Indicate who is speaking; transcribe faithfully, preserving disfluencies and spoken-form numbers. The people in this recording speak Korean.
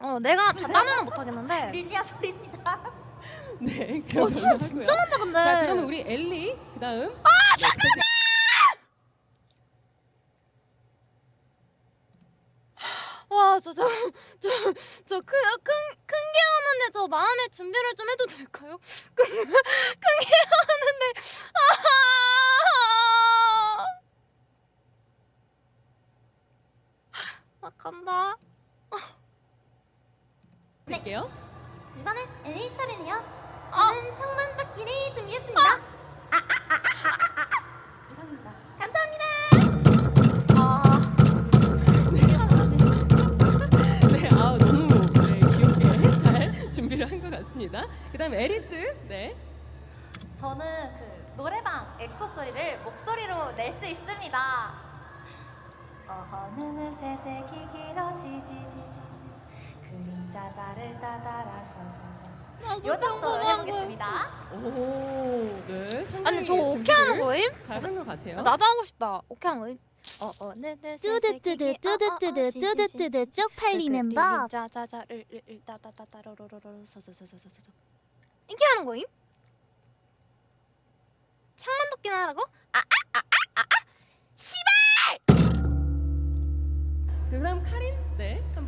Speaker 1: 어 내가 다 따면은 못하겠는데.
Speaker 2: 릴리아 소리입니다.
Speaker 3: 네,
Speaker 1: 어
Speaker 3: 그럼
Speaker 1: 소리 진짜 많다 근데.
Speaker 3: 자, 그러면 우리 엘리 그다음.
Speaker 1: 아
Speaker 3: 네, 잠깐만.
Speaker 1: 와 저 저 저 저 큰 큰 큰 게 오는데 저 마음의 준비를 좀 해도 될까요? 큰 큰 게 오는데 아, 아 간다.
Speaker 3: 드릴게요.
Speaker 2: 이번엔 엘리 차례네요.
Speaker 1: 어.
Speaker 2: 저는 창문 닦기를 준비했습니다. 아, 아, 아, 아, 아, 아, 아. 죄송합니다. 감사합니다.
Speaker 1: 아
Speaker 3: 네, 아 너무 네, 귀엽게 잘 준비를 한 것 같습니다. 그다음 에리스. 네.
Speaker 2: 저는 그 노래방 에코 소리를 목소리로 낼 수 있습니다. 어느 새색이 길어지지지지 그림자 자를 따라서서 요 정도 해보겠습니다.
Speaker 3: 오, 네. 상당히
Speaker 1: 아니 저 오케이 하는
Speaker 3: 준비를
Speaker 1: 거임?
Speaker 3: 잘한 것 같아요.
Speaker 1: 나도 하고 싶다. 오케이 하는 거임? 어어 네네
Speaker 4: 뚜드뚜드 뚜드뚜드 뚜드뚜드 쪽팔리는 법.
Speaker 1: 자자자를 따따따따로로로로 서서서서서서 이렇게 하는 거임? 창문 덮기나 하라고?
Speaker 3: 그다음 카린. 네. 한번